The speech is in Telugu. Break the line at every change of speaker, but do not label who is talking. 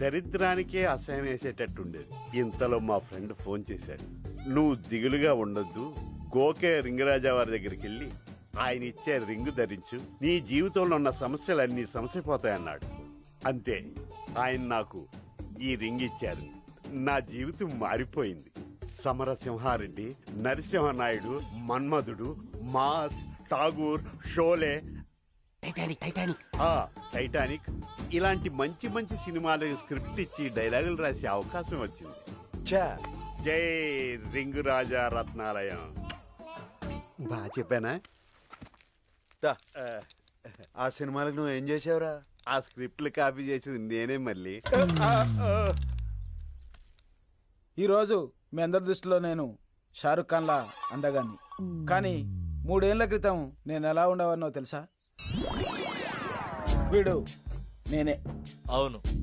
దరిద్రానికే అసహ్యం వేసేటట్టుండేది. ఇంతలో మా ఫ్రెండ్ ఫోన్ చేశాడు. నువ్వు దిగులుగా ఉండొద్దు, గోకే రింగరాజా వారి దగ్గరికి వెళ్ళి ఆయన ఇచ్చే రింగు ధరించు, నీ జీవితంలో ఉన్న సమస్యలన్నీ సమసిపోతాయన్నాడు. అంతే, ఆయన నాకు ఈ రింగ్ ఇచ్చారు. నా జీవితం మారిపోయింది. సమరసింహారెడ్డి, నరసింహనాయుడు, మన్మధుడు, మాస్, ఠాగూర్, షోలే, టైటానిక్ ఇలాంటి మంచి మంచి సినిమాలకు స్క్రిప్ట్ ఇచ్చి డైలాగులు రాసే అవకాశం వచ్చింది. జై రింగు రాజా రత్నాలయం. బాగా చెప్పానా?
ఆ సినిమాలకు నువ్వు ఏం చేసావురా?
ఆ స్క్రిప్ట్లు కాపీ చేసింది నేనే. మళ్ళీ
ఈరోజు మీ అందరి దృష్టిలో నేను షారుఖ్ ఖాన్లా అందగాన్ని, కానీ 3 ఏళ్ల క్రితం నేను ఎలా ఉండేవాడినో తెలుసా? వీడు నేనే.
అవును.